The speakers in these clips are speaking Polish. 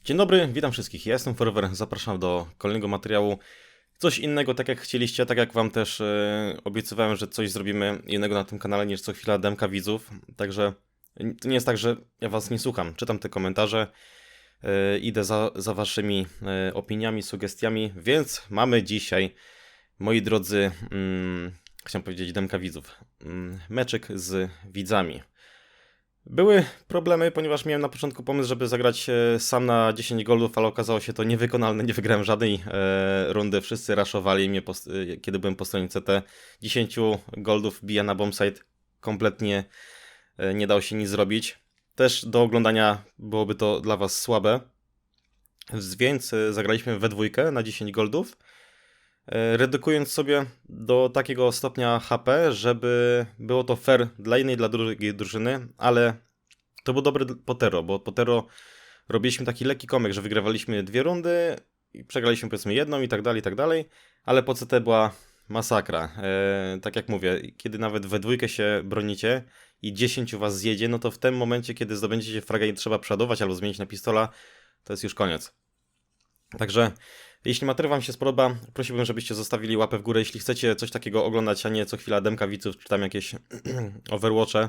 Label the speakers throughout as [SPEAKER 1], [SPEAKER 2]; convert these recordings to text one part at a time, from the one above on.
[SPEAKER 1] Dzień dobry, witam wszystkich. Ja jestem Forever, zapraszam do kolejnego materiału. Coś innego, tak jak chcieliście, tak jak wam też obiecywałem, że coś zrobimy innego na tym kanale niż co chwila demka widzów. Także to nie jest tak, że ja was nie słucham. Czytam te komentarze, idę za waszymi opiniami, sugestiami, więc mamy dzisiaj, moi drodzy, chciałem powiedzieć demka widzów, meczek z widzami. Były problemy, ponieważ miałem na początku pomysł, żeby zagrać sam na 10 goldów, ale okazało się to niewykonalne, nie wygrałem żadnej rundy, wszyscy raszowali mnie, kiedy byłem po stronie CT. 10 goldów bija na bombsite, kompletnie nie dało się nic zrobić. Też do oglądania byłoby to dla was słabe, więc zagraliśmy we dwójkę na 10 goldów, redukując sobie do takiego stopnia HP, żeby było to fair dla jednej i dla drugiej drużyny, ale to był dobry Potero, bo Potero robiliśmy taki lekki komek, że wygrywaliśmy 2 rundy i przegraliśmy powiedzmy jedną i tak dalej, ale po CT była masakra. Tak jak mówię, kiedy nawet we dwójkę się bronicie i 10 was zjedzie, no to w tym momencie, kiedy zdobędziecie fragę i trzeba przeładować albo zmienić na pistola, to jest już koniec. Także jeśli materiał wam się spodoba, prosiłbym, żebyście zostawili łapę w górę, jeśli chcecie coś takiego oglądać, a nie co chwila demka widzów, czy tam jakieś Overwatche,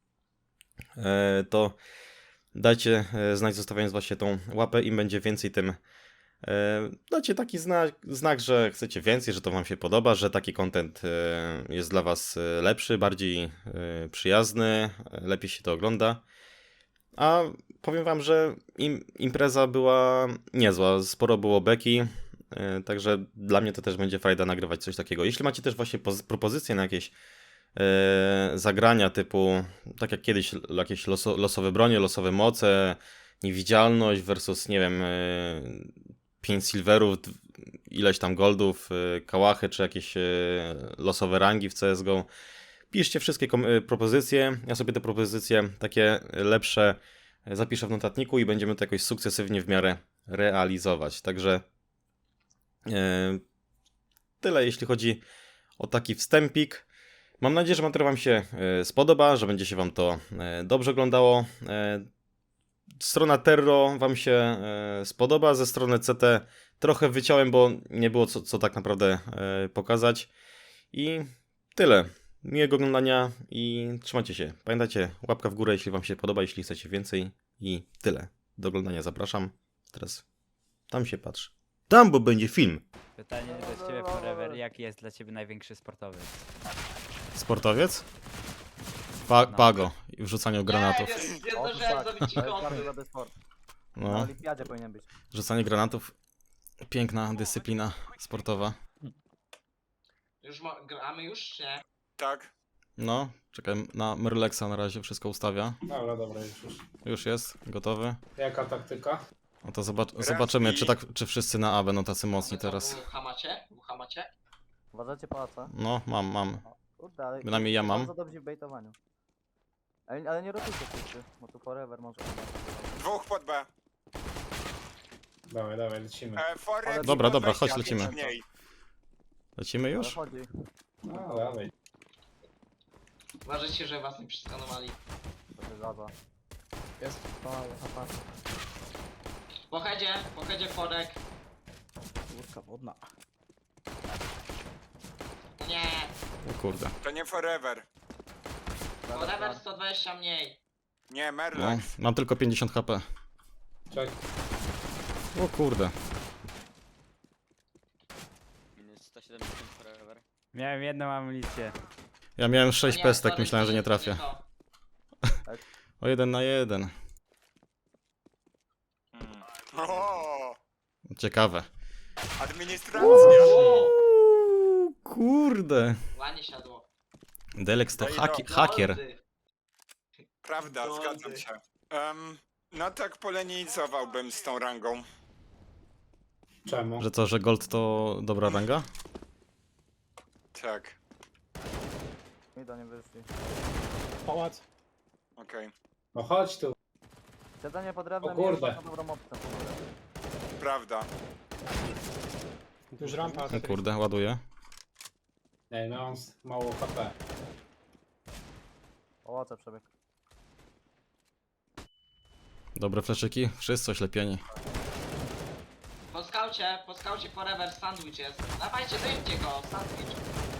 [SPEAKER 1] to dajcie znać, zostawiając właśnie tą łapę, im będzie więcej, tym dacie taki znak, że chcecie więcej, że to wam się podoba, że taki content jest dla was lepszy, bardziej przyjazny, lepiej się to ogląda. A powiem wam, że impreza była niezła, sporo było beki, także dla mnie to też będzie fajda nagrywać coś takiego. Jeśli macie też właśnie propozycje na jakieś zagrania typu, tak jak kiedyś, jakieś losowe bronie, losowe moce, niewidzialność versus, nie wiem, 5 silverów, ileś tam goldów, kałachy, czy jakieś losowe rangi w CSGO. Piszcie wszystkie propozycje, ja sobie te propozycje takie lepsze zapiszę w notatniku i będziemy to jakoś sukcesywnie w miarę realizować. Także tyle, jeśli chodzi o taki wstępik. Mam nadzieję, że materiał wam się spodoba, że będzie się wam to dobrze oglądało. Strona Terro wam się spodoba, ze strony CT trochę wyciąłem, bo nie było co tak naprawdę pokazać. I tyle. Miłego oglądania i trzymajcie się. Pamiętajcie, łapka w górę, jeśli wam się podoba, jeśli chcecie więcej. I tyle. Do oglądania zapraszam. Teraz tam się patrz. Tam, bo będzie film.
[SPEAKER 2] Pytanie do ciebie Forever, jaki jest dla ciebie największy sportowiec?
[SPEAKER 1] Sportowiec? Pago. I wrzucaniu granatów.
[SPEAKER 3] Nie zdążyłem zrobić ci
[SPEAKER 4] To jest
[SPEAKER 3] konto.
[SPEAKER 4] bardzo dobry sport. Na
[SPEAKER 1] No,
[SPEAKER 4] olimpiadzie powinien być.
[SPEAKER 1] rzucanie granatów. Piękna dyscyplina sportowa.
[SPEAKER 3] Już gramy już, czy nie?
[SPEAKER 5] Tak.
[SPEAKER 1] No, czekaj na Merlexa na razie, wszystko ustawia.
[SPEAKER 6] Dobra, już.
[SPEAKER 1] Już jest, gotowy.
[SPEAKER 6] Jaka taktyka?
[SPEAKER 1] No to zobaczymy, czy wszyscy na A będą tacy mocni
[SPEAKER 3] No to
[SPEAKER 1] teraz.
[SPEAKER 3] Bucha macie? Bucha macie?
[SPEAKER 4] Uważajcie pałaca.
[SPEAKER 1] No, mam.
[SPEAKER 4] Kurde, ale
[SPEAKER 1] Bynajmniej ja mam.
[SPEAKER 4] bardzo dobrzy w baitowaniu. Ale nie rotujcie wszyscy, bo tu forever może.
[SPEAKER 5] Dwóch pod B.
[SPEAKER 6] Dawaj, lecimy.
[SPEAKER 5] Forek
[SPEAKER 1] Dobra,
[SPEAKER 5] i
[SPEAKER 1] dobra, chodź,
[SPEAKER 5] 25
[SPEAKER 1] lecimy.
[SPEAKER 5] mniej.
[SPEAKER 1] Lecimy
[SPEAKER 4] Ale
[SPEAKER 1] już?
[SPEAKER 4] chodzi.
[SPEAKER 6] No, dawaj.
[SPEAKER 3] Uważajcie, że was nie przeskanowali.
[SPEAKER 4] To się zgadza.
[SPEAKER 6] Jest.
[SPEAKER 3] Po headzie Forek.
[SPEAKER 6] Łódka wodna.
[SPEAKER 3] Nie,
[SPEAKER 1] O kurde.
[SPEAKER 5] To nie forever.
[SPEAKER 3] Forever 120 mniej.
[SPEAKER 5] Nie,
[SPEAKER 1] No,
[SPEAKER 5] Merlex.
[SPEAKER 1] mam tylko 50 HP.
[SPEAKER 6] Czekaj.
[SPEAKER 1] O kurde.
[SPEAKER 7] Minus 170 forever.
[SPEAKER 2] Miałem jedną amunicję.
[SPEAKER 1] Ja miałem 6
[SPEAKER 3] Nie,
[SPEAKER 1] pestek,
[SPEAKER 3] sorry,
[SPEAKER 1] myślałem, że nie
[SPEAKER 3] to
[SPEAKER 1] trafię.
[SPEAKER 3] to.
[SPEAKER 1] O 1 na 1.
[SPEAKER 5] O,
[SPEAKER 1] Ciekawe.
[SPEAKER 5] administracja.
[SPEAKER 1] Uuu, kurde.
[SPEAKER 3] Ładnie siadło.
[SPEAKER 1] Delex to
[SPEAKER 5] No i
[SPEAKER 1] hakier.
[SPEAKER 3] Goldy.
[SPEAKER 5] Prawda,
[SPEAKER 3] Goldy.
[SPEAKER 5] zgadzam się. No tak polenizowałbym z tą rangą.
[SPEAKER 6] Czemu?
[SPEAKER 1] Że co, że gold to dobra ranga?
[SPEAKER 5] Tak,
[SPEAKER 4] I do nie wyszli.
[SPEAKER 6] Pałac.
[SPEAKER 5] okej.
[SPEAKER 6] No chodź tu.
[SPEAKER 4] Siedzenie pod drewnem
[SPEAKER 6] O kurde.
[SPEAKER 4] jest bardzo dobrą opcją.
[SPEAKER 5] Prawda.
[SPEAKER 6] Już rampa.
[SPEAKER 1] O kurde, ładuję.
[SPEAKER 6] Ej, no on mało HP.
[SPEAKER 4] Pałace przebieg.
[SPEAKER 1] Dobre fleszyki, wszyscy oślepieni.
[SPEAKER 3] Po skaucie forever sandwich jest. Dawajcie, dojedźcie go, sandwich.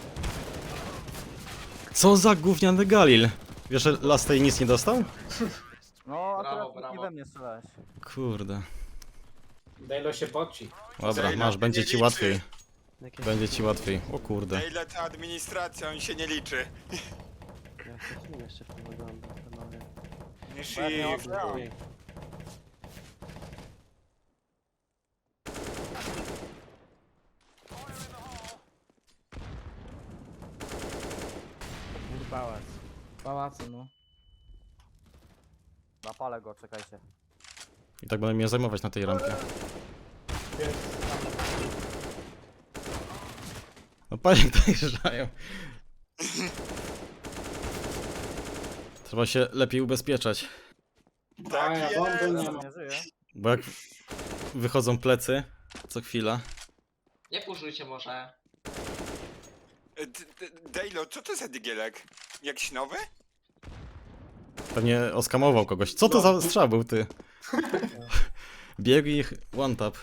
[SPEAKER 1] Co za gówniany Galil? Wiesz, że Lastej nic nie dostał?
[SPEAKER 4] No,
[SPEAKER 3] Brawo,
[SPEAKER 4] akurat
[SPEAKER 3] brawo.
[SPEAKER 4] nie we mnie strzelałeś.
[SPEAKER 1] Kurde.
[SPEAKER 6] Dejlo się poci.
[SPEAKER 1] Dobra,
[SPEAKER 5] Zajla
[SPEAKER 1] masz, będzie
[SPEAKER 5] nie
[SPEAKER 1] ci
[SPEAKER 5] liczy.
[SPEAKER 1] łatwiej. Będzie ci łatwiej. O kurde.
[SPEAKER 5] Na ile ta administracja, on się nie liczy. Nie
[SPEAKER 4] Ładnie,
[SPEAKER 5] shift.
[SPEAKER 4] ładnie.
[SPEAKER 2] Pałac.
[SPEAKER 8] Pałacu, no.
[SPEAKER 4] Napalę go, czekajcie.
[SPEAKER 1] I tak będę mnie zajmować na tej rampie. No panie dojeżdżają. Trzeba się lepiej ubezpieczać.
[SPEAKER 6] A
[SPEAKER 5] Tak
[SPEAKER 6] ja
[SPEAKER 5] jest.
[SPEAKER 6] bomby nie
[SPEAKER 4] Ja
[SPEAKER 6] mam.
[SPEAKER 4] nie żyję.
[SPEAKER 1] Bo jak wychodzą plecy co chwila.
[SPEAKER 3] Nie puszujcie może.
[SPEAKER 5] Dejlo, co to za digielek? Jakiś nowy?
[SPEAKER 1] Pewnie oskamował kogoś. Co to za strzał był ty? Biegł i one tap.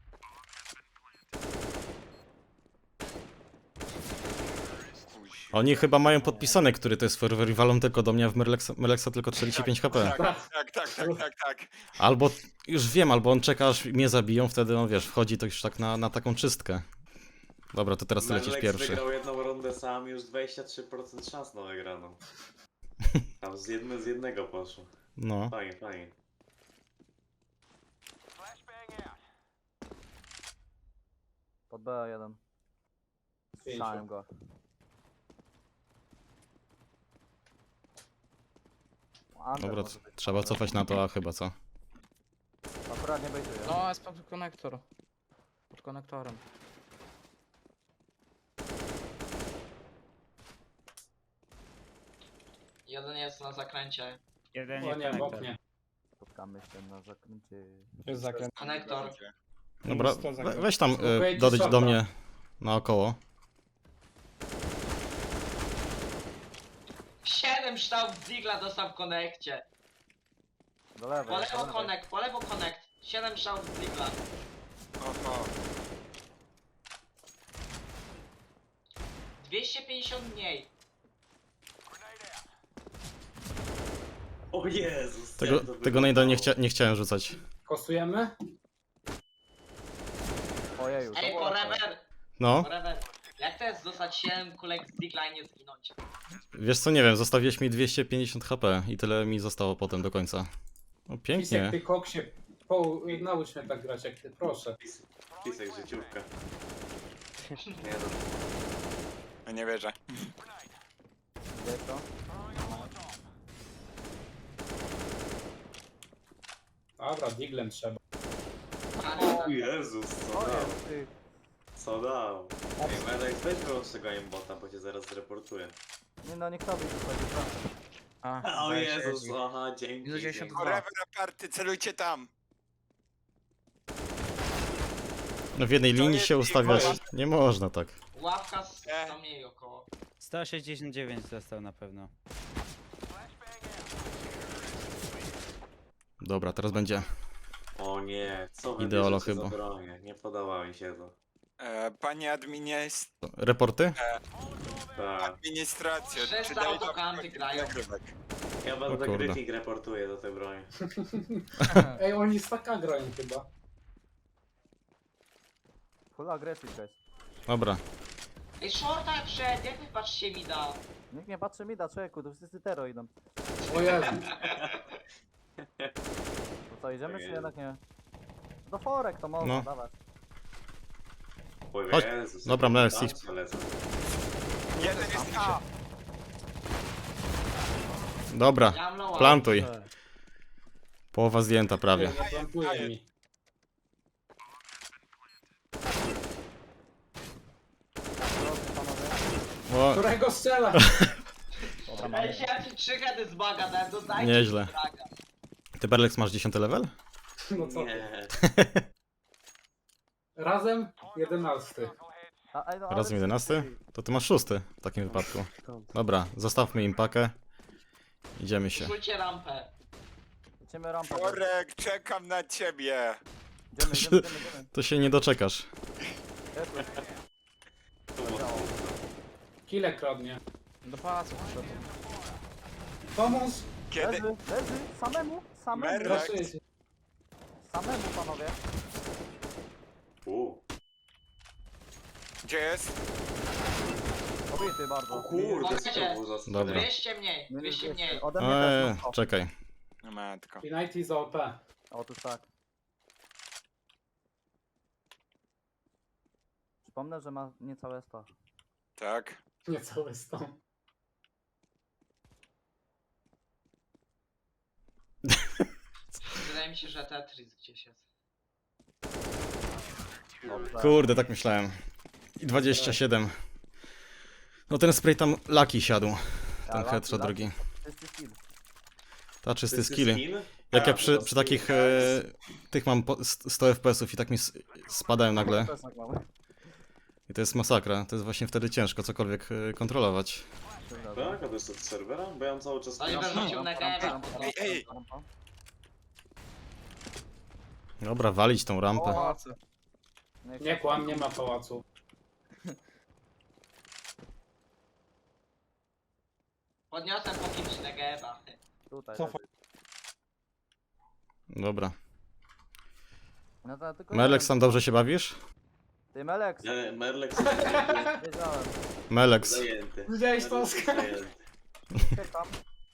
[SPEAKER 1] Oni chyba mają podpisane, który to jest forever i walą tylko do mnie, a w Merlexa tylko 45 HP.
[SPEAKER 5] Tak.
[SPEAKER 1] Albo, już wiem, albo on czeka aż mnie zabiją, wtedy on wiesz, wchodzi to już tak na taką czystkę. Dobra, to teraz ty lecisz
[SPEAKER 9] Merlex
[SPEAKER 1] pierwszy.
[SPEAKER 9] wygrał jedną rundę sam, już 23% szans na wygraną. Tam z jednego poszło.
[SPEAKER 1] No.
[SPEAKER 9] Fajnie.
[SPEAKER 4] Pod B1. Słyszałem go. Under
[SPEAKER 1] Dobra,
[SPEAKER 4] może być.
[SPEAKER 1] trzeba cofać na to, a chyba co?
[SPEAKER 4] Akurat nie bejtuję.
[SPEAKER 8] No, jest pod konektor. Pod konektorem.
[SPEAKER 3] Jeden jest na zakręcie.
[SPEAKER 2] Jeden
[SPEAKER 6] O
[SPEAKER 2] jest
[SPEAKER 6] nie, w
[SPEAKER 2] konektor.
[SPEAKER 6] oknie.
[SPEAKER 4] Spotkamy się na zakręcie.
[SPEAKER 6] Jest zakręt.
[SPEAKER 3] Konektor.
[SPEAKER 1] Dobra, weź tam
[SPEAKER 6] Wejdź
[SPEAKER 1] dodejdź do
[SPEAKER 6] shorta.
[SPEAKER 1] mnie naokoło.
[SPEAKER 3] 7 sztab Zigla dostał w konekcie.
[SPEAKER 4] Do lewej.
[SPEAKER 3] Po lewo konekt. 7 sztab Zigla.
[SPEAKER 5] Oho.
[SPEAKER 3] 250 mniej.
[SPEAKER 9] O Jezus!
[SPEAKER 1] Tego najda nie chciałem rzucać.
[SPEAKER 6] Kosujemy?
[SPEAKER 4] Ojeju, to
[SPEAKER 3] Ej,
[SPEAKER 4] było łatwe.
[SPEAKER 3] forever.
[SPEAKER 1] No,
[SPEAKER 3] Forever. Jak to jest dostać 7 kulek z Zigla i nie zginąć?
[SPEAKER 1] wiesz co, nie wiem, zostawiłeś mi 250 HP i tyle mi zostało potem do końca. O,
[SPEAKER 6] Pisek,
[SPEAKER 1] pięknie.
[SPEAKER 6] ty koksie. Naucz mnie tak grać jak ty, proszę.
[SPEAKER 9] Pisek życiówka.
[SPEAKER 5] No nie wierzę.
[SPEAKER 4] Gdzie to?
[SPEAKER 6] Dobra, diglem trzeba.
[SPEAKER 9] O Jezus, co
[SPEAKER 4] O
[SPEAKER 9] dał?
[SPEAKER 4] jest, ty.
[SPEAKER 9] Co dał? Ej, Merlex, weź wyłącz tego aimbota, bo cię zaraz zreportuję.
[SPEAKER 4] Nie no, niech tobie wychodzi, proszę.
[SPEAKER 8] A,
[SPEAKER 9] O
[SPEAKER 8] weź,
[SPEAKER 9] Jezus,
[SPEAKER 8] Jezu.
[SPEAKER 9] aha, dzięki.
[SPEAKER 8] Minus 92.
[SPEAKER 5] Forever aparty, celujcie tam.
[SPEAKER 1] No w jednej
[SPEAKER 5] To
[SPEAKER 1] linii
[SPEAKER 5] jest
[SPEAKER 1] się ustawiać
[SPEAKER 5] wolność.
[SPEAKER 1] nie można tak.
[SPEAKER 3] Ławka z tam mniej około.
[SPEAKER 2] 169 dostał na pewno.
[SPEAKER 1] Dobra, teraz będzie.
[SPEAKER 9] O nie, co wy
[SPEAKER 1] Ideolo
[SPEAKER 9] bierzecie za
[SPEAKER 1] chyba.
[SPEAKER 9] bronię? Nie podoba mi się to.
[SPEAKER 5] Panie
[SPEAKER 1] Reporty?
[SPEAKER 9] Tak.
[SPEAKER 5] administracja.
[SPEAKER 3] Wszyscy
[SPEAKER 5] czy Dejlo
[SPEAKER 3] autokanty
[SPEAKER 5] wchodzi
[SPEAKER 3] grają.
[SPEAKER 5] nagrywek?
[SPEAKER 9] Ja
[SPEAKER 1] O
[SPEAKER 9] będę
[SPEAKER 1] kurde.
[SPEAKER 9] Gryfik reportuję do tej broni.
[SPEAKER 6] Ej, oni z taka grają chyba.
[SPEAKER 4] Full aggressive, guys.
[SPEAKER 1] Dobra.
[SPEAKER 3] Ej, shorta przed, jak wy patrzycie mi da?
[SPEAKER 4] Nikt nie patrzy mi da, człowieku, to wszyscy tero idą.
[SPEAKER 6] O Jezu.
[SPEAKER 4] To co, idziemy czy jednak nie? Do forek to można,
[SPEAKER 1] No.
[SPEAKER 4] dawać.
[SPEAKER 9] O
[SPEAKER 1] Chodź.
[SPEAKER 9] Jezus.
[SPEAKER 1] Dobra,
[SPEAKER 9] jakie
[SPEAKER 1] Merlex,
[SPEAKER 9] tam
[SPEAKER 1] idź.
[SPEAKER 9] lecą.
[SPEAKER 5] Jeden jest A.
[SPEAKER 1] Dobra,
[SPEAKER 3] Ja mam low
[SPEAKER 1] plantuj. Połowa zdjęta prawie.
[SPEAKER 6] Nie plantuje mi.
[SPEAKER 4] Drodzy panowie.
[SPEAKER 1] O,
[SPEAKER 6] Którego strzela?
[SPEAKER 4] Dobra,
[SPEAKER 3] Ej, ja ci 3 heady z baga dałem, dodajcie
[SPEAKER 1] Nieźle.
[SPEAKER 3] mi fraga.
[SPEAKER 1] ty Berlex masz 10 level?
[SPEAKER 6] No co ty?
[SPEAKER 9] Nie.
[SPEAKER 6] Razem 11.
[SPEAKER 4] ej, no, ale
[SPEAKER 1] Razem 11? To ty masz 6 w takim wypadku. Dobra, zostawmy im pakę. Idziemy się.
[SPEAKER 3] Rzućcie rampę.
[SPEAKER 4] Idziemy rampę.
[SPEAKER 5] Korek, czekam na ciebie.
[SPEAKER 4] Idziemy.
[SPEAKER 1] To się nie doczekasz.
[SPEAKER 6] Kile kradnie.
[SPEAKER 8] Do pałacu poszedł.
[SPEAKER 6] Pomóż!
[SPEAKER 5] Kiedy?
[SPEAKER 4] Leży. Samemu.
[SPEAKER 5] Merlek.
[SPEAKER 6] Proszę cię.
[SPEAKER 4] Samemu, panowie.
[SPEAKER 5] Gdzie jest?
[SPEAKER 4] Obity bardzo.
[SPEAKER 9] O kurde,
[SPEAKER 3] Chodźcie.
[SPEAKER 9] co to było za
[SPEAKER 1] Dobra.
[SPEAKER 3] 200 mniej, 200 mniej.
[SPEAKER 4] Ode mnie też. No.
[SPEAKER 1] Czekaj.
[SPEAKER 5] No matko.
[SPEAKER 6] United za OP.
[SPEAKER 4] Otóż tak. Przypomnę, że ma niecałe 100.
[SPEAKER 5] Tak.
[SPEAKER 6] Nie cały stąd.
[SPEAKER 3] Wydaje mi się, że Tetris gdzieś jest.
[SPEAKER 4] Dobrze.
[SPEAKER 1] Kurde, tak myślałem. I 27. No ten spray tam laki siadł. Ten
[SPEAKER 4] Laki,
[SPEAKER 1] headshot
[SPEAKER 4] laki.
[SPEAKER 1] drugi.
[SPEAKER 4] Czysty skill.
[SPEAKER 1] Ta czysty
[SPEAKER 9] Czysty
[SPEAKER 1] skill.
[SPEAKER 9] skin?
[SPEAKER 1] Jak ja
[SPEAKER 9] A,
[SPEAKER 1] przy
[SPEAKER 9] to
[SPEAKER 1] takich
[SPEAKER 9] skin,
[SPEAKER 1] tych mam 100 FPS-ów i tak mi spadają nagle.
[SPEAKER 4] Też tak mamy.
[SPEAKER 1] I to jest masakra. To jest właśnie wtedy ciężko cokolwiek kontrolować.
[SPEAKER 9] Tak, a to jest od serwera? Bo ja mam cały czas...
[SPEAKER 3] Oliver rzucił na gębę.
[SPEAKER 5] Ej.
[SPEAKER 1] Dobra, walić tą rampę.
[SPEAKER 8] Pałacy.
[SPEAKER 6] Nie kłam, nie ma pałacu.
[SPEAKER 3] Podniosłem po kimś na gęba.
[SPEAKER 4] Tutaj.
[SPEAKER 8] Cofaj.
[SPEAKER 4] leży.
[SPEAKER 1] Dobra.
[SPEAKER 4] No to tylko
[SPEAKER 1] Melex,
[SPEAKER 4] jeden.
[SPEAKER 1] tam dobrze się bawisz?
[SPEAKER 4] Ty Melex.
[SPEAKER 9] Nie, Merlek
[SPEAKER 4] Wiedziałem.
[SPEAKER 1] Melex.
[SPEAKER 9] zajęty.
[SPEAKER 6] Widziałeś to,
[SPEAKER 9] Merlek
[SPEAKER 6] Oskar?
[SPEAKER 9] zajęty.
[SPEAKER 4] Czekam.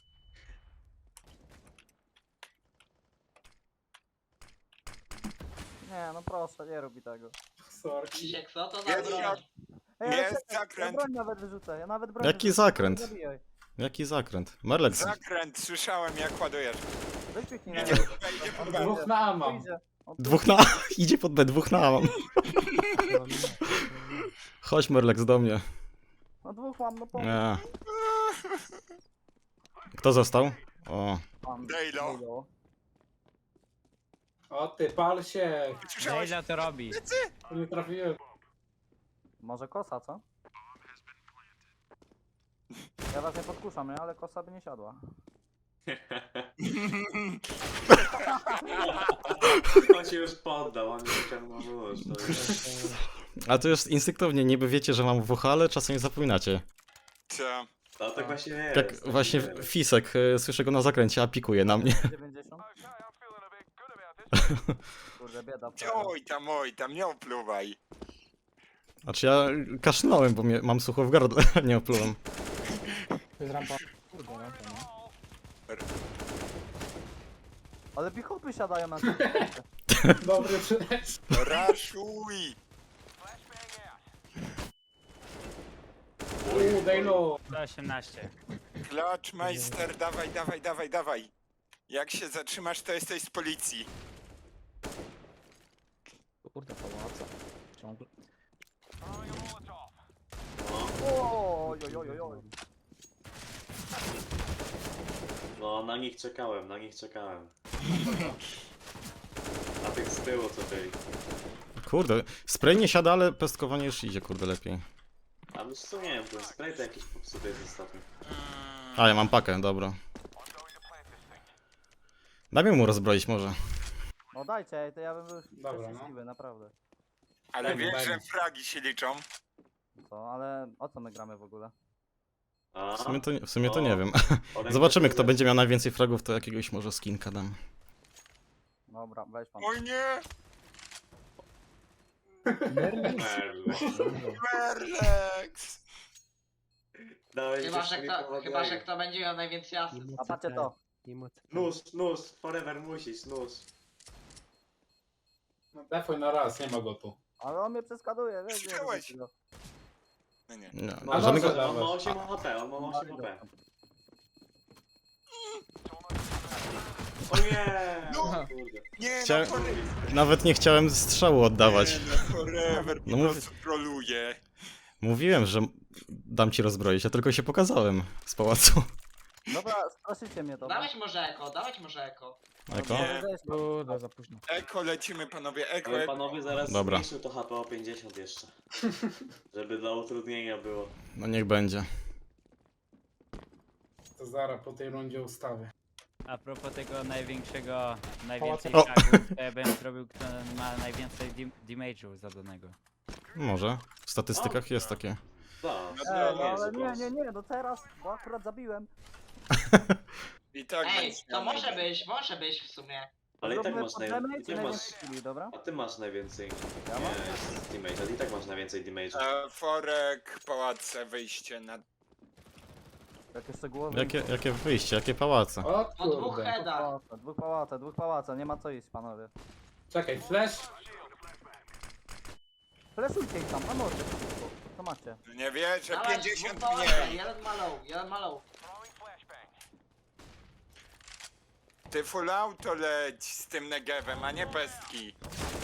[SPEAKER 4] Nie, no proszę, nie robi tego.
[SPEAKER 6] Sorki.
[SPEAKER 3] Krzysiek, co to za
[SPEAKER 5] Jest
[SPEAKER 3] broń?
[SPEAKER 5] jak-
[SPEAKER 4] Ej,
[SPEAKER 5] Jest
[SPEAKER 4] czekaj,
[SPEAKER 5] zakręt.
[SPEAKER 4] Ja broń nawet wyrzucę, ja nawet broń
[SPEAKER 1] Jaki
[SPEAKER 4] wyrzucę.
[SPEAKER 1] zakręt?
[SPEAKER 4] Nie zabijaj.
[SPEAKER 1] Jaki zakręt? Melex.
[SPEAKER 5] Zakręt, słyszałem jak ładujesz.
[SPEAKER 4] Weź kliknij na
[SPEAKER 5] Idzie
[SPEAKER 4] niego.
[SPEAKER 5] pod B, idzie pod
[SPEAKER 4] On
[SPEAKER 5] B.
[SPEAKER 6] Dwóch
[SPEAKER 4] wyjdzie,
[SPEAKER 6] na A
[SPEAKER 4] on
[SPEAKER 6] mam.
[SPEAKER 4] wyjdzie. On
[SPEAKER 1] Dwóch na... Idzie pod B, dwóch na A mam. Chodź Merlex do mnie.
[SPEAKER 4] No dwóch mam, no pomóż.
[SPEAKER 1] Nie. Kto został? O.
[SPEAKER 4] Mam.
[SPEAKER 5] Dejlo.
[SPEAKER 4] Dejlo.
[SPEAKER 6] O ty, pal się.
[SPEAKER 5] Słyszałeś?
[SPEAKER 2] Ile to robi?
[SPEAKER 6] Nie trafiłem.
[SPEAKER 4] Może kosa, co? Ja was nie podkuszam, nie? Ale kosa by nie siadła.
[SPEAKER 9] On się już poddał, on już ciągnął nóż. To jest...
[SPEAKER 1] A to już instynktownie, niby wiecie, że mam WH, ale czasem nie zapominacie.
[SPEAKER 5] Co?
[SPEAKER 9] No tak właśnie jest.
[SPEAKER 1] Jak
[SPEAKER 9] tak
[SPEAKER 1] właśnie
[SPEAKER 9] jest.
[SPEAKER 1] Fisek, słyszę go na zakręcie, a pikuje na mnie.
[SPEAKER 4] 90. Kurde, bieda.
[SPEAKER 5] Oj tam, nie opluwaj.
[SPEAKER 1] Znaczy ja kaszlnąłem, bo mam sucho w gardle, nie oplułem.
[SPEAKER 8] To jest rampa. Kurde, rampa, no.
[SPEAKER 4] Ale bichopy siadają na tym.
[SPEAKER 6] Dobry przyleć.
[SPEAKER 5] Raszuj!
[SPEAKER 6] Dejlo.
[SPEAKER 2] 118.
[SPEAKER 5] Clutchmeister, dawaj. Jak się zatrzymasz, to jesteś z policji.
[SPEAKER 8] Kurde, pałaca. Ciągle.
[SPEAKER 4] Oj.
[SPEAKER 9] No, na nich czekałem. A tych z tyłu co byli.
[SPEAKER 1] Kurde, spray nie siada, ale pestkowanie już idzie, kurde, lepiej.
[SPEAKER 9] A wiesz co, nie wiem, ten spray to jakiś popsuty jest ostatnio.
[SPEAKER 1] A, ja mam pakę, dobra. Dajmy mu rozbroić może.
[SPEAKER 4] No dajcie, to ja bym był
[SPEAKER 6] Dobra, no.
[SPEAKER 4] szczęśliwy, naprawdę.
[SPEAKER 5] Ale
[SPEAKER 6] Daj mu,
[SPEAKER 5] wiesz,
[SPEAKER 6] daj
[SPEAKER 5] że
[SPEAKER 6] mu.
[SPEAKER 5] fragi się liczą.
[SPEAKER 4] Co, ale o co my gramy w ogóle?
[SPEAKER 9] A,
[SPEAKER 1] W sumie to nie wiem.
[SPEAKER 9] Olek
[SPEAKER 1] Zobaczymy,
[SPEAKER 9] to
[SPEAKER 1] kto będzie miał najwięcej fragów, to jakiegoś może skinka dam.
[SPEAKER 4] Dobra, weź pan.
[SPEAKER 5] Oj nie!
[SPEAKER 9] Merlek.
[SPEAKER 5] Merlex!
[SPEAKER 9] Dałeś
[SPEAKER 3] Chyba, że kto będzie miał najwięcej asyst.
[SPEAKER 4] A patrzcie to.
[SPEAKER 9] Nóż, forever musisz, nóż.
[SPEAKER 6] No, defuj na raz, nie ma go tu.
[SPEAKER 4] Ale on mnie przeskaduje, wiesz?
[SPEAKER 5] Słyszałeś? No nie.
[SPEAKER 1] Nie,
[SPEAKER 6] A
[SPEAKER 1] żadnego...
[SPEAKER 6] dobrze.
[SPEAKER 9] On ma 8 HP, on ma 8 HP. O nie!
[SPEAKER 5] No.
[SPEAKER 9] Kurde.
[SPEAKER 5] Nie,
[SPEAKER 1] Chciałem-
[SPEAKER 5] no forever.
[SPEAKER 1] Nawet nie chciałem strzału oddawać.
[SPEAKER 5] Nie, no forever
[SPEAKER 1] No
[SPEAKER 5] po
[SPEAKER 1] mów-
[SPEAKER 5] prostu troluje.
[SPEAKER 1] Mówiłem, że dam ci rozbroić, ja tylko się pokazałem z pałacu.
[SPEAKER 4] Dobra, straszycie mnie to.
[SPEAKER 3] Dawać może eko.
[SPEAKER 1] Eko?
[SPEAKER 5] Nie.
[SPEAKER 8] Kurde, za późno.
[SPEAKER 5] Eko lecimy panowie, eko.
[SPEAKER 9] Ale panowie zaraz
[SPEAKER 1] Dobra.
[SPEAKER 9] zmniejszył to HP o 50 jeszcze. Żeby dla utrudnienia było.
[SPEAKER 1] No niech będzie.
[SPEAKER 6] To zaraz po tej rundzie ustawię.
[SPEAKER 2] A propos tego największego, najwięcej
[SPEAKER 8] Pałacu.
[SPEAKER 2] fragów, to ja bym zrobił, kto ma najwięcej damage'u zadanego.
[SPEAKER 1] Może. W statystykach jest takie.
[SPEAKER 9] Tak,
[SPEAKER 5] No
[SPEAKER 9] to
[SPEAKER 4] No
[SPEAKER 9] nie jest
[SPEAKER 4] ale
[SPEAKER 9] głos.
[SPEAKER 4] nie, no teraz, bo akurat zabiłem.
[SPEAKER 5] I tak
[SPEAKER 3] Ej,
[SPEAKER 5] będziesz
[SPEAKER 3] to
[SPEAKER 5] miał
[SPEAKER 3] może być w sumie.
[SPEAKER 9] Ale i tak
[SPEAKER 4] Robimy
[SPEAKER 9] masz
[SPEAKER 4] pod
[SPEAKER 9] naj...
[SPEAKER 4] damage
[SPEAKER 9] i
[SPEAKER 4] i
[SPEAKER 9] tak masz...
[SPEAKER 4] najwięcej killi, dobra?
[SPEAKER 9] A ty masz najwięcej.
[SPEAKER 4] Ja mam?
[SPEAKER 9] Nie, jest damage, ale i tak masz najwięcej damage.
[SPEAKER 5] Forek, pałace, wyjście na...
[SPEAKER 4] Jakie szczegółowe...
[SPEAKER 1] Jakie wyjście, jakie pałace.
[SPEAKER 6] O
[SPEAKER 3] Po dwóch
[SPEAKER 6] kurde.
[SPEAKER 3] headach.
[SPEAKER 4] Dwóch pałaca, nie ma co iść, panowie.
[SPEAKER 6] Czekaj, flash.
[SPEAKER 4] Fleszujcie ich tam, na mordę. Co macie?
[SPEAKER 5] Nie wierzę,
[SPEAKER 3] Dawaj,
[SPEAKER 5] 50
[SPEAKER 3] dwóch
[SPEAKER 5] mniej.
[SPEAKER 3] pałace, jeden ma low.
[SPEAKER 5] Ty full auto leć z tym negewem, a nie pestki.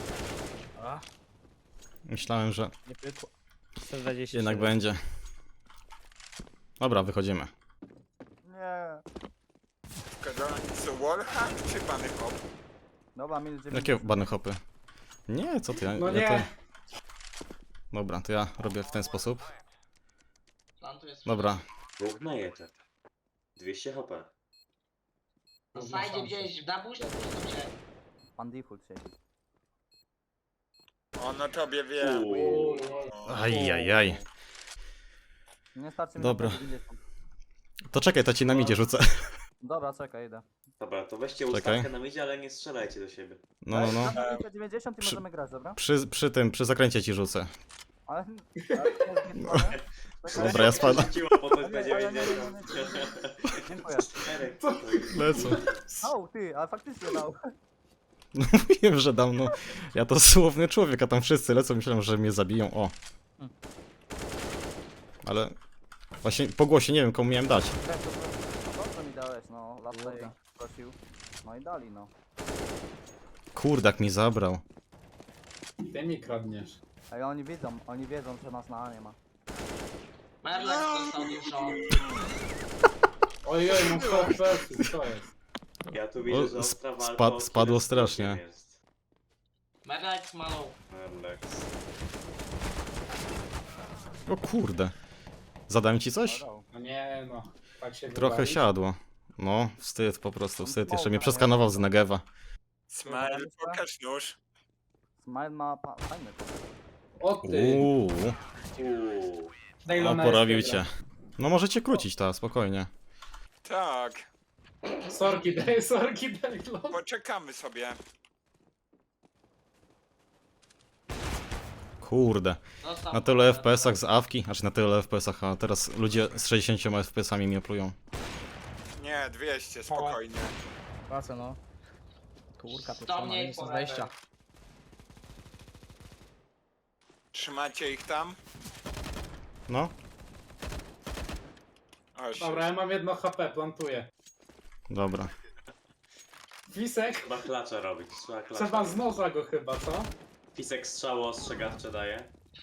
[SPEAKER 1] Myślałem, że
[SPEAKER 8] Nie pykło.
[SPEAKER 2] 120.
[SPEAKER 1] jednak będzie. Dobra, wychodzimy.
[SPEAKER 4] Nie.
[SPEAKER 5] Co, wallhack czy bany hop?
[SPEAKER 4] Dobra, minus 9.
[SPEAKER 1] Jakie bany hopy? Nie, co ty?
[SPEAKER 6] No
[SPEAKER 1] ja
[SPEAKER 6] nie.
[SPEAKER 1] Dobra, to ja robię w ten sposób.
[SPEAKER 3] Plan tu jest.
[SPEAKER 1] Dobra,
[SPEAKER 9] Dwóch najetek. 200 HP.
[SPEAKER 3] Na sajdzie gdzieś, na buście puszczą się.
[SPEAKER 4] Pan default siedzi.
[SPEAKER 5] Ono tobie wie.
[SPEAKER 9] Uuu.
[SPEAKER 1] ajajaj.
[SPEAKER 4] Nie starczy mi
[SPEAKER 1] Dobra.
[SPEAKER 4] na 90.
[SPEAKER 1] To czekaj, to ci na midzie rzucę.
[SPEAKER 4] Dobra, czekaj, idę.
[SPEAKER 9] Dobra, to weźcie
[SPEAKER 1] Czekaj.
[SPEAKER 9] ustawkę na midzie, ale nie strzelajcie do siebie.
[SPEAKER 1] No.
[SPEAKER 4] Daj, 90 i
[SPEAKER 1] Przy-
[SPEAKER 4] możemy grać, dobra?
[SPEAKER 1] Przy zakręcie ci rzucę.
[SPEAKER 4] Ale... ale to jest zniszczone. Czekaj.
[SPEAKER 1] Dobra, ja spadam.
[SPEAKER 9] Rzuciło potem
[SPEAKER 4] Ale nie, ale nie,
[SPEAKER 9] P90.
[SPEAKER 4] Dziękuję.
[SPEAKER 9] Czterech.
[SPEAKER 1] Lecą.
[SPEAKER 4] Au, ty, ale faktycznie dał.
[SPEAKER 1] No mówiłem, że dam, no. Ja to słowny człowiek, a tam wszyscy lecą, myślałem, że mnie zabiją, o. Ale... Właśnie po głosie nie wiem, komu miałem dać.
[SPEAKER 4] To co mi dałeś, no. Lataj
[SPEAKER 8] Kurde.
[SPEAKER 4] prosił. No i dali, no.
[SPEAKER 1] Kurdak mi zabrał.
[SPEAKER 6] Ty mi kradniesz.
[SPEAKER 4] Ej, oni wiedzą, że nas na A nie ma.
[SPEAKER 3] Merlex dostał dużo.
[SPEAKER 6] Ojej, mam 100 FPS, co jest?
[SPEAKER 9] Ja tu
[SPEAKER 1] O,
[SPEAKER 9] widzę, że ostra walka o
[SPEAKER 1] spadło
[SPEAKER 9] killer
[SPEAKER 1] strasznie.
[SPEAKER 9] jest.
[SPEAKER 3] Merlex ma low.
[SPEAKER 9] Merlex.
[SPEAKER 1] O kurde. Zadałem ci coś?
[SPEAKER 4] Dał.
[SPEAKER 6] No nie no. Tak się
[SPEAKER 1] Trochę
[SPEAKER 6] wywalić.
[SPEAKER 1] siadło. No, wstyd po prostu, wstyd. Jeszcze mnie przeskanował z Negewa.
[SPEAKER 5] Smile, pokaż nóż.
[SPEAKER 4] Smile ma fajny.
[SPEAKER 6] O ty.
[SPEAKER 1] Uuu,
[SPEAKER 9] Uuu.
[SPEAKER 6] Daj
[SPEAKER 1] no
[SPEAKER 6] Lona
[SPEAKER 1] porobił
[SPEAKER 6] jest
[SPEAKER 1] cię. No możecie krócić ta, spokojnie.
[SPEAKER 5] Tak,
[SPEAKER 6] dobra. Sorki, daj Lon.
[SPEAKER 5] poczekamy sobie.
[SPEAKER 1] Kurde.
[SPEAKER 3] Dostał.
[SPEAKER 1] Na tyle FPS-ach z awki, znaczy na tyle FPS-ach, a teraz ludzie z 60 FPS-ami mnie plują.
[SPEAKER 5] Nie, 200, spokojnie.
[SPEAKER 8] Pracę, no. Kurka, to
[SPEAKER 3] Do
[SPEAKER 8] co,
[SPEAKER 3] mnie
[SPEAKER 8] minus
[SPEAKER 3] forever.
[SPEAKER 8] 20.
[SPEAKER 5] Trzymacie ich tam?
[SPEAKER 1] No,
[SPEAKER 5] O,
[SPEAKER 6] Dobra, ja mam 1 HP, plantuję.
[SPEAKER 1] dobra.
[SPEAKER 6] Fisek?
[SPEAKER 5] No.
[SPEAKER 9] Trzeba klacza robić, trzeba klacza.
[SPEAKER 6] Trzeba z noża go chyba, co?
[SPEAKER 9] Fisek strzało ostrzegawcze daje.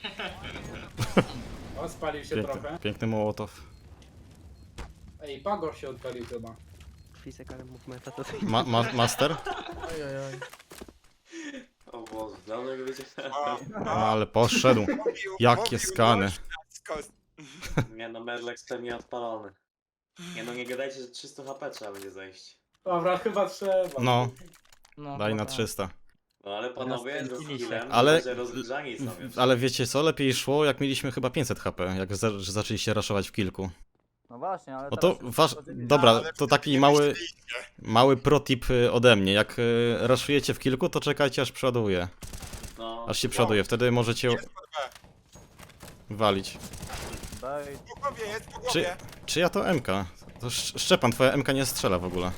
[SPEAKER 6] O, spalił się trochę.
[SPEAKER 1] Piękny, piękny Mołotow.
[SPEAKER 6] Ej, Pagor się odpalił chyba.
[SPEAKER 7] Fisek, ale movementa to
[SPEAKER 1] Master?
[SPEAKER 8] Oj, oj, oj.
[SPEAKER 9] O Boże, dawno go wiedziałem.
[SPEAKER 5] O,
[SPEAKER 1] No, ale poszedł. Jakie
[SPEAKER 5] mówił
[SPEAKER 1] skany.
[SPEAKER 5] nóż na skos-
[SPEAKER 9] Nie no, Merlex pewnie odpalony. Nie no, nie gadajcie, że 300 HP trzeba będzie zejść.
[SPEAKER 6] Dobra, chyba trzeba.
[SPEAKER 1] No,
[SPEAKER 8] No,
[SPEAKER 1] daj na
[SPEAKER 8] dobra.
[SPEAKER 1] 300.
[SPEAKER 9] No ale panowie,
[SPEAKER 2] Teraz
[SPEAKER 9] z
[SPEAKER 2] kręcili się.
[SPEAKER 9] skillem,
[SPEAKER 1] Ale-
[SPEAKER 9] że rozgrzani są już.
[SPEAKER 1] Ale wiecie co, lepiej szło jak mieliśmy chyba 500 HP, jak zaczęliście raszować w kilku.
[SPEAKER 4] No właśnie, ale
[SPEAKER 1] No to
[SPEAKER 4] teraz-
[SPEAKER 1] dobra, to taki mały protip ode mnie. Jak raszujecie w kilku, to czekajcie aż przeładuje.
[SPEAKER 9] No,
[SPEAKER 1] Aż się przeładuje, wtedy możecie
[SPEAKER 5] Jest po B.
[SPEAKER 1] walić.
[SPEAKER 4] Daj,
[SPEAKER 5] Po głowie, jest po
[SPEAKER 1] Czy,
[SPEAKER 5] głowie.
[SPEAKER 1] czy ja to MK? To Szczepan, twoja MK nie strzela w ogóle.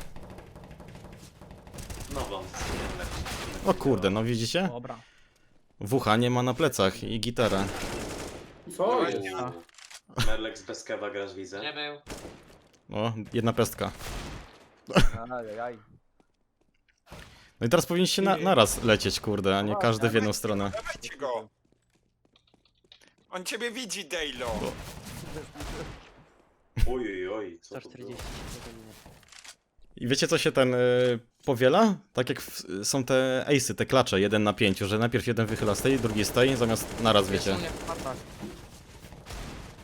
[SPEAKER 9] no wam.
[SPEAKER 1] O kurde, no widzicie?
[SPEAKER 8] Dobra.
[SPEAKER 1] WH nie ma na plecach i gitarę.
[SPEAKER 6] Co
[SPEAKER 5] Dawaj,
[SPEAKER 6] jest?
[SPEAKER 5] nie.
[SPEAKER 9] Merlex bez kewa grasz, widzę.
[SPEAKER 3] Gdzie był?
[SPEAKER 1] O, jedna pestka.
[SPEAKER 4] ajajaj.
[SPEAKER 1] No i teraz powinniście naraz lecieć, kurde, a nie każdy w jedną stronę.
[SPEAKER 5] Dawajcie go. On ciebie widzi, Dejlo.
[SPEAKER 9] Oj, oj, co to było?
[SPEAKER 7] 140 ode mnie.
[SPEAKER 1] I wiecie co się powiela? Tak jak są te ace'y, te klacze 1 na 5, że najpierw jeden wychyla z tej, drugi z tej, zamiast naraz wiecie.
[SPEAKER 8] Nie, w partach.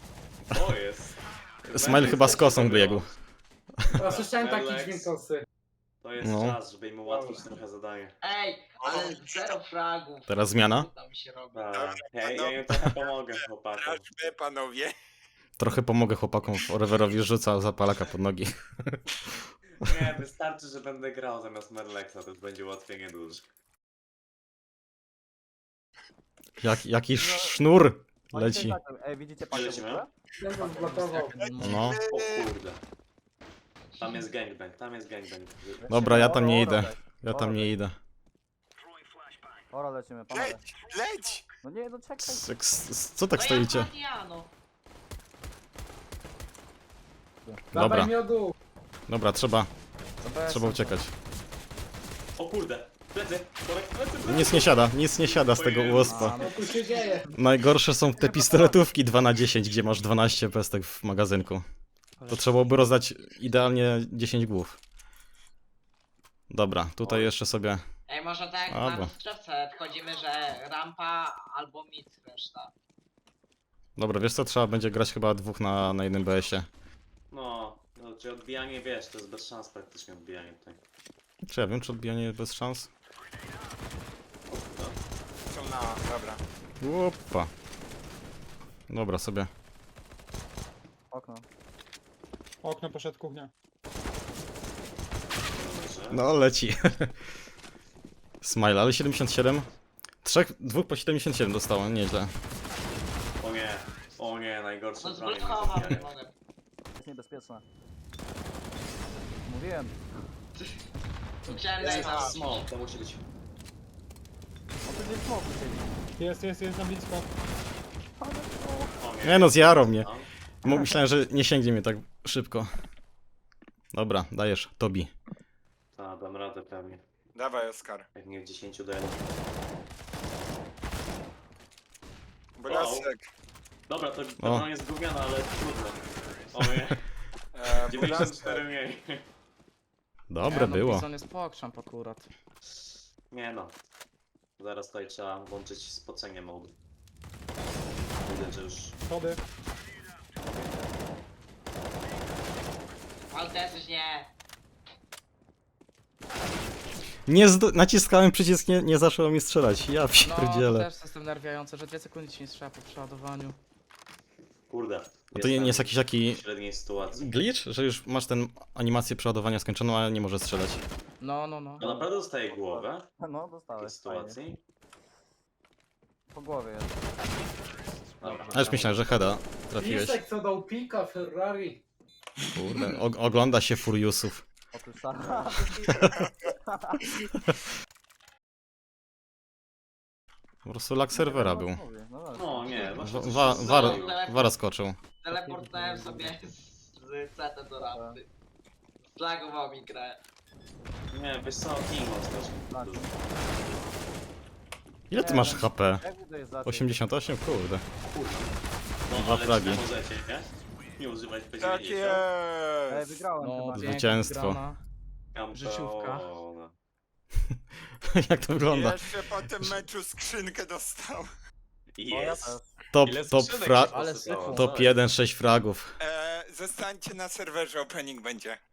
[SPEAKER 9] O jest.
[SPEAKER 1] Smile chyba z kosą biegł.
[SPEAKER 6] A słyszałem taki
[SPEAKER 9] Merlex.
[SPEAKER 6] dźwięk kosy.
[SPEAKER 9] To jest
[SPEAKER 1] No.
[SPEAKER 9] czas, żeby im ułatwić trochę zadanie.
[SPEAKER 3] Ej, ale 0 fragów.
[SPEAKER 1] Teraz zmiana.
[SPEAKER 3] Co tam się robi?
[SPEAKER 9] Tak. Ja im trochę pomogę, chłopakom.
[SPEAKER 5] Sprawdźmy, panowie.
[SPEAKER 1] Trochę pomogę chłopakom, Foreverowi rzuca zapalaka pod nogi.
[SPEAKER 9] Nie, wystarczy, że będę grał zamiast Merlexa, to już będzie ułatwienie duże.
[SPEAKER 1] Jaki sznur
[SPEAKER 4] Oni
[SPEAKER 1] leci.
[SPEAKER 4] się tak- Ej, widzicie pakę w
[SPEAKER 9] Lecimy?
[SPEAKER 4] ogóle?
[SPEAKER 6] Ten was blokował.
[SPEAKER 1] No.
[SPEAKER 9] O kurde. Tam jest gangbang.
[SPEAKER 1] Dobra, ja tam nie
[SPEAKER 4] Oro,
[SPEAKER 1] idę. Ja tam nie idę.
[SPEAKER 4] Ora lecimy, panowie.
[SPEAKER 5] Leć, leć!
[SPEAKER 4] No nie, no czekaj.
[SPEAKER 1] Co tak
[SPEAKER 3] No
[SPEAKER 1] stoicie?
[SPEAKER 3] ja Fadiano.
[SPEAKER 1] Dobra.
[SPEAKER 6] Dawaj miodu.
[SPEAKER 1] Dobra, trzeba
[SPEAKER 8] To
[SPEAKER 1] uciekać.
[SPEAKER 9] O kurde, plecy, plecy.
[SPEAKER 1] Nic nie siada z tego UOSP-a.
[SPEAKER 6] Co tu się dzieje?
[SPEAKER 1] Najgorsze są te pistoletówki 2x10, gdzie masz 12 pestek w magazynku. To trzeba byłoby rozdać idealnie 10 głów. Dobra, tutaj jeszcze sobie...
[SPEAKER 3] Ej, może tak jak
[SPEAKER 1] Dobra.
[SPEAKER 3] na rozgrzewce wchodzimy, że rampa albo mid reszta.
[SPEAKER 1] Dobra, wiesz co, trzeba będzie grać chyba dwóch na jednym BS-ie.
[SPEAKER 9] No, czy odbijanie, wiesz, to jest bez szans praktycznie odbijanie tutaj.
[SPEAKER 1] Czy ja wiem, czy odbijanie bez szans?
[SPEAKER 5] Są na... dobra.
[SPEAKER 1] Opa. Dobra, sobie.
[SPEAKER 4] Okno.
[SPEAKER 6] Okno poszedł kuchnia.
[SPEAKER 9] Dobrze.
[SPEAKER 1] No, leci. Smile, ale 77. Dwóch po 77 dostało, nieźle.
[SPEAKER 9] O nie, najgorsze
[SPEAKER 3] No
[SPEAKER 9] bronie.
[SPEAKER 3] zblokował
[SPEAKER 9] na zabijanie.
[SPEAKER 3] mogę.
[SPEAKER 4] Jest niebezpieczne. Mówiłem.
[SPEAKER 3] Chciałem
[SPEAKER 9] Jest
[SPEAKER 3] najpierw.
[SPEAKER 9] smoke, to musi być.
[SPEAKER 4] O, tu gdzieś smoku siedzi.
[SPEAKER 6] Jest na blisko.
[SPEAKER 9] O
[SPEAKER 1] Nie no, zjarał mnie.
[SPEAKER 9] Tam.
[SPEAKER 1] Myślałem, że nie sięgnie mnie tak szybko. Dobra, dajesz, Tobi.
[SPEAKER 9] A, dam radę pewnie.
[SPEAKER 5] Dawaj, Oskar.
[SPEAKER 9] Jak nie w 10 do 1.
[SPEAKER 5] Blasek.
[SPEAKER 9] Dobra, to
[SPEAKER 1] O.
[SPEAKER 9] broń jest gówniana, ale trudno. O nie,
[SPEAKER 5] Blasek.
[SPEAKER 9] 94 mniej.
[SPEAKER 1] Dobre było.
[SPEAKER 8] Bizon jest pokrzamp akurat.
[SPEAKER 9] Nie no. Zaraz tutaj trzeba włączyć spocenie mode. Widzę, że już...
[SPEAKER 6] Schody.
[SPEAKER 3] Ale też nie.
[SPEAKER 1] Naciskałem przycisk, nie zaczęło mi strzelać. Ja
[SPEAKER 8] No, to
[SPEAKER 1] pierdzielę.
[SPEAKER 8] też jest nerwiające, że 2 sekundy ci nie strzela po przeładowaniu.
[SPEAKER 9] Kurde.
[SPEAKER 1] A to nie jest jakiś taki
[SPEAKER 9] w średniej sytuacji.
[SPEAKER 1] glitch, że już masz tę animację przeładowania skończoną, ale nie możesz strzelać.
[SPEAKER 8] No.
[SPEAKER 9] No naprawdę dostaje głowę
[SPEAKER 4] No,
[SPEAKER 9] w tej
[SPEAKER 4] dostałeś. Fajnie.
[SPEAKER 9] sytuacji.
[SPEAKER 4] Po głowie jest.
[SPEAKER 9] Dobra.
[SPEAKER 1] A już myślałem, że heada trafiłeś.
[SPEAKER 6] Lisek co dał pika Ferrari.
[SPEAKER 1] Kurde, ogląda się Furiusów.
[SPEAKER 4] Otóż sam.
[SPEAKER 1] Po prostu lag serwera był.
[SPEAKER 9] No nie, właśnie coś
[SPEAKER 1] Wa-
[SPEAKER 9] się
[SPEAKER 1] war,
[SPEAKER 9] zdarzyło.
[SPEAKER 1] wara skoczył.
[SPEAKER 3] Teleportowałem sobie z CT do rampy. Zlagował mi grę.
[SPEAKER 9] Nie, wiesz co, Timo
[SPEAKER 4] Tak.
[SPEAKER 9] też.
[SPEAKER 1] Ile ty masz HP?
[SPEAKER 4] Jak to jest za
[SPEAKER 1] 88? Kurde.
[SPEAKER 9] No
[SPEAKER 1] Dwa
[SPEAKER 9] ale
[SPEAKER 1] fragi.
[SPEAKER 9] czy możecie, nie? Nie używać
[SPEAKER 5] Tak
[SPEAKER 9] P90.
[SPEAKER 4] Ej,
[SPEAKER 5] jest!
[SPEAKER 4] wygrałem
[SPEAKER 8] No,
[SPEAKER 4] chyba.
[SPEAKER 8] pięknie
[SPEAKER 1] Zwycięstwo.
[SPEAKER 8] wygrana. Życiówka.
[SPEAKER 1] Jak to wygląda?
[SPEAKER 5] Jeszcze po tym meczu skrzynkę dostał.
[SPEAKER 4] O, ja
[SPEAKER 9] Jest.
[SPEAKER 4] też.
[SPEAKER 1] Top,
[SPEAKER 9] Ile
[SPEAKER 1] top,
[SPEAKER 9] skrzynek
[SPEAKER 1] fra
[SPEAKER 9] się
[SPEAKER 8] Ale
[SPEAKER 9] posypało?
[SPEAKER 8] syfu.
[SPEAKER 1] top 1, 6 fragów.
[SPEAKER 5] Zostańcie na serwerze, opening będzie.